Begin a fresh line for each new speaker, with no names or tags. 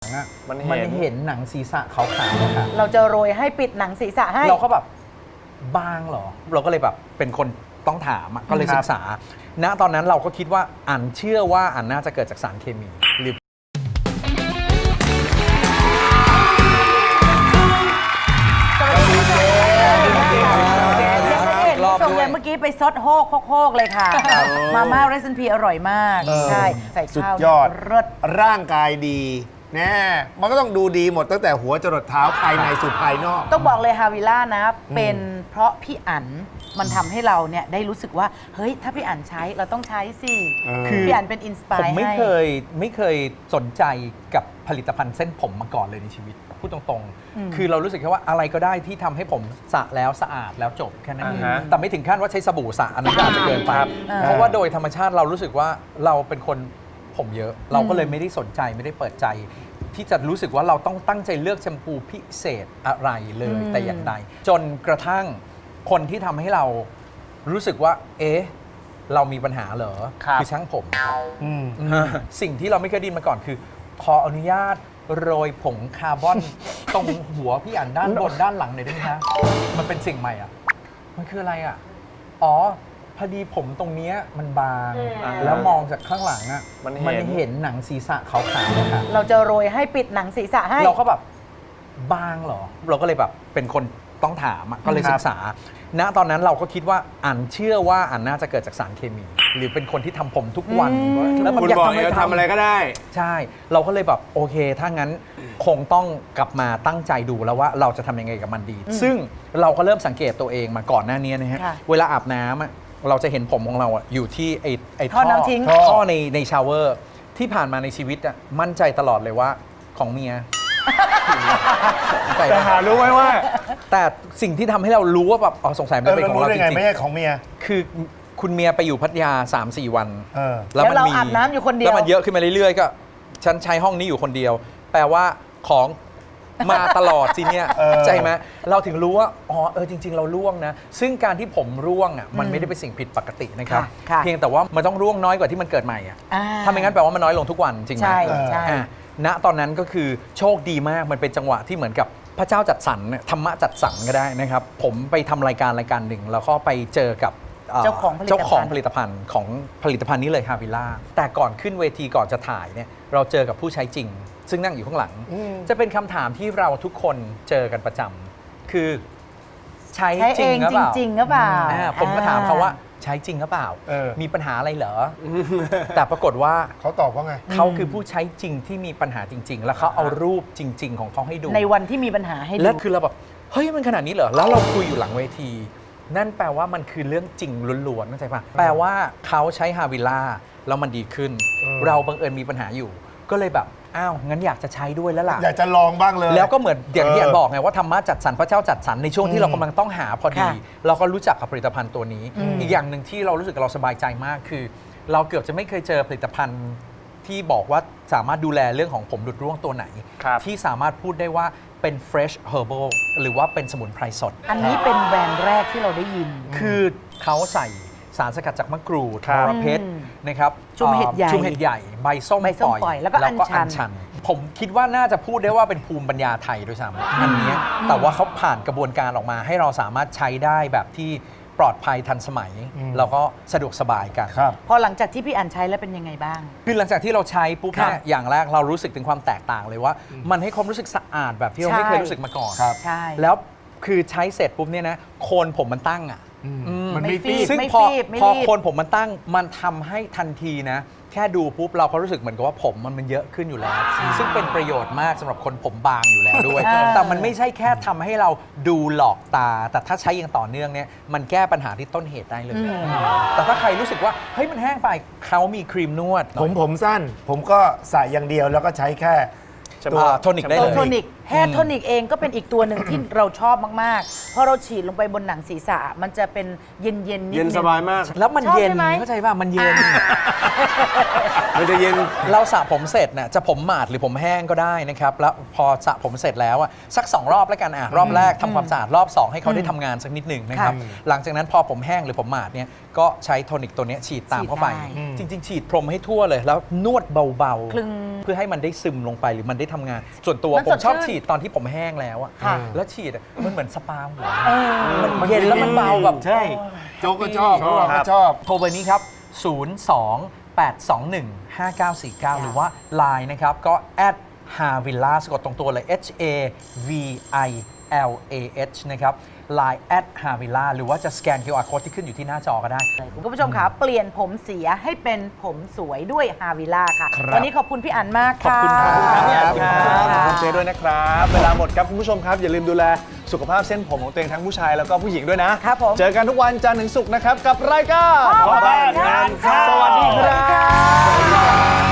อ่ะมันเห็นหนังศีรษะขาวๆค่ะ
เราจะโรยให้ปิดหนังศีรษะให้
เราก็แบบบางเหรอเราก็เลยแบบเป็นคนต้องถามก็เลยศึกษาณตอนนั้นเราก็คิดว่าอันเชื่อว่าอันน่าจะเกิดจากสารเคมีหรือ
ส่งเลยเมื่อกี้ไปซดโฮกเลยค่ะมาม่าเรซิปีอร่อยมากใช่ใส่ข้าว
สุดยอด
เลิศ
ร่างกายดีแน่มันก็ต้องดูดีหมดตั้งแต่หัวจรดเท้าภายในสู่ภายนอก
ต้องบอกเลยฮาวิล่านะเป็นเพราะพี่อั๋นมันทำให้เราเนี่ยได้รู้สึกว่าเฮ้ยถ้าพี่อั๋นใช้เราต้องใช้สิคือพี่อั๋นเป็นอินสปาย
ผมไม่เคยสนใจกับผลิตภัณฑ์เส้นผมมาก่อนเลยในชีวิตพูดตรงๆคือเรารู้สึกแค่ว่าอะไรก็ได้ที่ทำให้ผมสระแล้วสะอาดแล้วจบแค่นั้นเองแต่ไม่ถึงขั้นว่าใช้สบู่สระอันนั้นอาจจะเกินไปเพราะว่าโดยธรรมชาติเรารู้สึกว่าเราเป็นคนผมเยอะเราก็เลยไม่ได้สนใจไม่ได้เปิดใจที่จะรู้สึกว่าเราต้องตั้งใจเลือกแชมพูพิเศษอะไรเลยแต่อย่างใดจนกระทั่งคนที่ทำให้เรารู้สึกว่าเอ๊ะเรามีปัญหาเหรอคือช่างผมสิ่งที่เราไม่เคยได้มาก่อนคือขออนุญาตโรยผงคาร์บอนตรงหัวพี่อั๋นด้านบนด้านหลังหน่อยได้ไหมคะมันเป็นสิ่งใหม่อ่ะมันคืออะไรอ่ะอ๋อพอดีผมตรงนี้มันบางแล้วมองจากข้างหลังอ่ะมันเห็นหนังศีรษะขาวๆค่ะ
เราจะโรยให้ปิดหนังศีรษะให้
เราก็แบบบางเหรอเราก็เลยแบบเป็นคนต้องถามก็เลยศึกษาณตอนนั้นเราก็คิดว่าอันเชื่อว่าอันน่าจะเกิดจากสารเคมี หรือเป็นคนที่ทำผมทุกวัน
แล้วมันอยากทำอะไรก็ได้
ใช่เราก็เลยแบบโอเคถ้างั้นคงต้องกลับมาตั้งใจดูแล้วว่าเราจะทำยังไงกับมันดีซึ่งเราก็เริ่มสังเกตตัวเองมาก่อนหน้านี้นะฮะเวลาอาบน้ำเราจะเห็นผมของเราอยู่ที่ไอ้ท่อในชาวเวอร์ที่ผ่านมาในชีวิตมั่นใจตลอดเลยว่าของเมีย
แต่หารู้ไหมว่า
แต่สิ่งที่ทำให้เรารู้ว่าแบบสงสัยมันเป็นของเราจริงๆ
ไม่ใช่ของเมีย
คือคุณเมียไปอยู่พัทยา 3-4 วัน
แล้วเราอาบน้ำอยู่คนเดียว
แล้วมันเยอะขึ้นมาเรื่อยๆก็ฉันใช้ห้องนี้อยู่คนเดียวแปลว่าของมาตลอดสิเนี่ยใจไหมเราถึงรู้ว่าจริงๆเราร่วงนะซึ่งการที่ผมร่วงมันไม่ได้เป็นสิ่งผิดปกตินะครับเพียงแต่ว่ามันต้องร่วงน้อยกว่าที่มันเกิดใหม่ถ้าไม่งั้นแปลว่ามันน้อยลงทุกวันจริงไหม
ใช่
ณตอนนั้นก็คือโชคดีมากมันเป็นจังหวะที่เหมือนกับพระเจ้าจัดสรรธรรมะจัดสรรก็ได้นะครับผมไปทำรายการหนึ่งแล้วก็ไปเจอกับ
เจ้าของ
ผลิตภัณฑ์ของผลิตภัณฑ์นี้เลยฮาวิล่าแต่ก่อนขึ้นเวทีก่อนจะถ่ายเนี่ยเราเจอกับผู้ใช้จริงซึ่งนั่งอยู่ข้างหลังจะเป็นคำถามที่เราทุกคนเจอกันประจำคือใช้จริงหรือเปล่าผมก็ถามเขาว่าใช้จริงหรือเปล่ามีปัญหาอะไรเหรอแต่ปรากฏว่า
เขาตอบว่าไง
เขาคือผู้ใช้จริงที่มีปัญหาจริงๆแล้วเขาเอารูปจริงๆของเขาให้ดู
ในวันที่มีปัญหาให้ดู
และคือเราแบบเฮ้ยมันขนาดนี้เหรอแล้วเราคุยอยู่หลังเวทีนั่นแปลว่ามันคือเรื่องจริงล้วนๆเข้าใจป่ะแปลว่าเขาใช้ฮาวิล่าแล้วมันดีขึ้นเราบังเอิญมีปัญหาอยู่ก็เลยแบบอ้าวงั้นอยากจะใช้ด้วยแล้วล่ะ
อยากจะลองบ้างเลย
แล้วก็เหมือนอย่างที่บอกไงว่าธรรมะจัดสรรพระเจ้าจัดสรรในช่วงที่เรากำลังต้องหาพอดีเราก็รู้จักกับผลิตภัณฑ์ตัวนี้อีกอย่างหนึ่งที่เรารู้สึกเราสบายใจมากคือเราเกือบจะไม่เคยเจอผลิตภัณฑ์ที่บอกว่าสามารถดูแลเรื่องของผมหลุดร่วงตัวไหนที่สามารถพูดได้ว่าเป็น fresh herbal หรือว่าเป็นสมุนไพรสด
อันนี้เป็นแบรนด์แรกที่เราได้ยิน
คือเขาใส่สารสกัดจากมะกรูดมรเพชรนะครับ
ชุมเห็ดใ
หญ่ใบส้มปล่อย
แล้วก็อัญชัน
ผมคิดว่าน่าจะพูดได้ว่าเป็นภูมิปัญญาไทยด้วยซ้ำอันนี้แต่ว่าเขาผ่านกระบวนการออกมาให้เราสามารถใช้ได้แบบที่ปลอดภัยทันสมัยแล้วก็สะดวกสบายกัน
พอหลังจากที่พี่อั๋นใช้แล้วเป็นยังไงบ้าง
คือหลังจากที่เราใช้ปุ๊บเนี่ยอย่างแรกเรารู้สึกถึงความแตกต่างเลยว่ามันให้ความรู้สึกสะอาดแบบที่เราไม่เคยรู้สึกมาก่อน
ใช่
แล้วคือใช้เสร็จปุ๊บเนี่ยนะโคนผมมันตั้ง
มันไม่ฟีบ
ซึ่งพอโคนผมมันตั้งมันทำให้ทันทีนะแค่ดูปุ๊บเราก็รู้สึกเหมือนกับว่าผมมันเยอะขึ้นอยู่แล้วซึ่งเป็นประโยชน์มากสำหรับคนผมบางอยู่แล้วด้วยแต่มันไม่ใช่แค่ทำให้เราดูหลอกตาแต่ถ้าใช้อย่างต่อเนื่องเนี่ยมันแก้ปัญหาที่ต้นเหตุได้เลยแต่ถ้าใครรู้สึกว่าเฮ้ยมันแห้งไปเขามีครีมนวด
ผมสั้นผมก็ใส่อย่างเดียวแล้วก็ใช้แค่
ตัวโทนิกได้เลย
แฮร์โทนิกเองก็เป็นอีกตัวหนึ่งที่เราชอบมากๆพอเราฉีดลงไปบนหนังศีรษะมันจะเป็นเย็นๆนิดนึง
เย็นสบายมาก
แล้วมัน
ชอบ
เย็น
ใช่ไหม
เข้าใจป่ะมันเย็น
มันจะเย็น
เราสระผมเสร็จน่ะจะผมหมาดหรือผมแห้งก็ได้นะครับแล้วพอสระผมเสร็จแล้วอ่ะสัก2 รอบแล้วกันรอบแรกทำความสะอาดรอบ 2 ให้เขาได้ทำงานสักนิดหนึ่งนะครับหลังจากนั้นพอผมแห้งหรือผมหมาดเนี่ยก็ใช้โทนิกตัวเนี้ยฉีดตามเข้าไป จริง ๆ ฉีดพรมให้ทั่วเลยแล้วนวดเบา
คลึง
ๆเพื่อให้มันได้ซึมลงไปหรือมันได้ทำงาน ส่วนตัว
มัน
ผ
ส
ม
ด
ชอบ
ชื่น
ฉีดตอนที่ผมแห้งแล้วอะ
ค่ะ
แล้วฉีดอะมันเหมือนสปาหัวมันเย็นแล้วมันเบาแบบ
ใช่ โจ๊กก็ชอบพวกเราก็ชอบ
โทรเบอร์นี้ครับ 02-821-5949 หรือว่า Line นะครับ ก็ @havilla สะกดตรงตัวเลย HAVILAH นะครับ Line @havilla หรือว่าจะสแกน QR Code ที่ขึ้นอยู่ที่หน้าจอก็ได้
คุณผู้ชมคะเปลี่ยนผมเสียให้เป็นผมสวยด้วยฮาวิล่าค่ะ
ครับ
วันนี้ขอบคุณพี่อั๋นมากค่ะ
ขอบคุณครับ
ขอบคุณเจด้วยนะครับ เวลาหมดครับคุณผู้ชมครับ อย่าลืมดูแลสุขภาพเส้นผมของตัวเองทั้งผู้ชายแล้วก็ผู้หญิงด้วยนะครับ
ผม
เจอกันทุกวันจันทร์ถึงศุกร์นะครับกับรายการ
พ่อบ้านงานเข้า
สวัสดีครับ